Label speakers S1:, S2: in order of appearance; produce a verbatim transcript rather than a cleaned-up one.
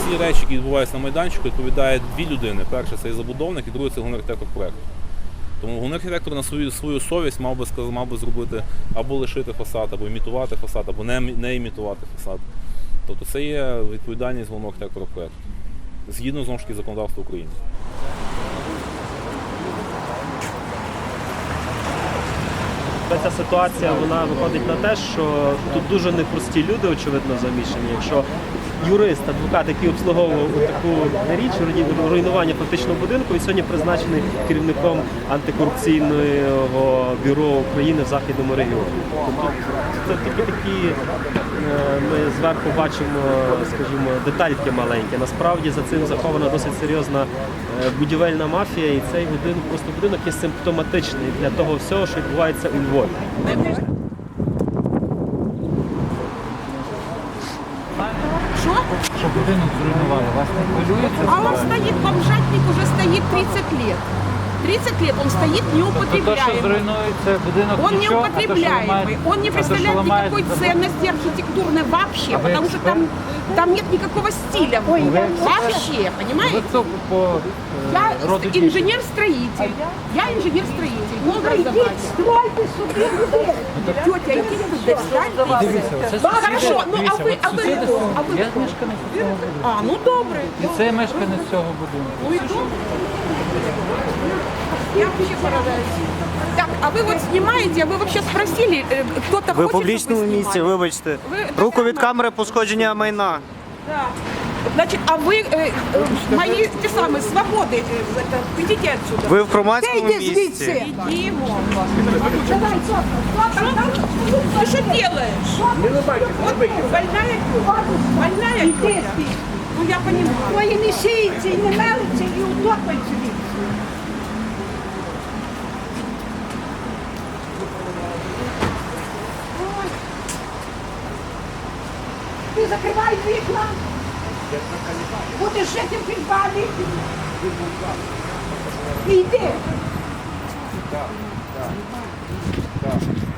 S1: всі речі, які відбуваються на майданчику, відповідає дві людини. Перше – це забудовник, і другий – це головний архітектор проєкту. Тому головний архітектор на свою, свою совість мав би, мав би зробити або лишити фасад, або імітувати фасад, або не, не імітувати фасад. Тобто це є відповідальність головного архітектора проєкту. Згідно, знову ж таки, законодавства України.
S2: Ця ситуація, вона виходить на те, що тут дуже непрості люди, очевидно, замішані. Якщо юрист, адвокат, який обслуговував таку річ, руйнування фактично будинку, і сьогодні призначений керівником антикорупційного бюро України в Західному регіоні. Тобто це такі такі, ми зверху бачимо, скажімо, детальки маленькі. Насправді за цим захована досить серйозна будівельна мафія, і цей будинок, просто будинок є симптоматичний для того всього, що відбувається у Львові.
S3: Что?
S4: Що будинок зруйнували, вас не хвилює це?
S3: А он стоит, бомжатник уже стоит тридцать лет. тридцать лет он стоит
S4: То, що
S3: неупотребляемый.
S4: зруйнується будинок
S3: Он
S4: нічого, а то, що
S3: неупотребляемый,
S4: ламають-
S3: он не
S4: а то, що
S3: представляет
S4: ламають-
S3: никакой ценности архитектурной вообще,
S4: А вы
S3: потому что
S4: эксперт?
S3: там, там нет никакого стиля. Вообще,
S4: Ви
S3: понимаете?
S4: це по
S3: Я
S4: е, роду дітей.
S3: инженер-строитель. Я инженер-строитель. Ну, образование.
S5: Стройте собі будинок.
S3: Тетя, иди туда, встань.
S4: Дивіться, це
S3: Да,
S4: сусіди,
S3: хорошо, ну а
S4: дивіться,
S3: ви,
S4: от
S3: а ви
S4: сусіди,
S3: хто? А ви
S4: я
S3: хто?
S4: мешканець цього будинку.
S3: А, ну добре.
S4: І це мешканець цього будинку.
S3: Ну и добре. Я вообще поражаюсь. Так, а вы вот снимаете, а вы вообще спросили, э, кто-то
S6: Ви в
S3: хочет,
S6: публічному
S3: чтобы вы
S6: місці,
S3: снимали?
S6: вибачте.
S3: Ви-
S6: Руку від камери, пошкодження майна.
S3: Да. Значит, а вы э, э, мои те самые свободы, э, это, идите отсюда.
S6: Ви в громадському
S5: Йди
S6: місці.
S5: звідси.
S3: Идем.
S5: Давай, Софа,
S3: Ты что делаешь? Вот больная тетя. Больная
S5: Іди
S3: тетя.
S5: звідси.
S3: Ну я понимаю.
S5: Твої не шиються і не мелиться, і утопаються звідси. Ой. Ти закривай вікна. Будеш жити в підвалі. І йди.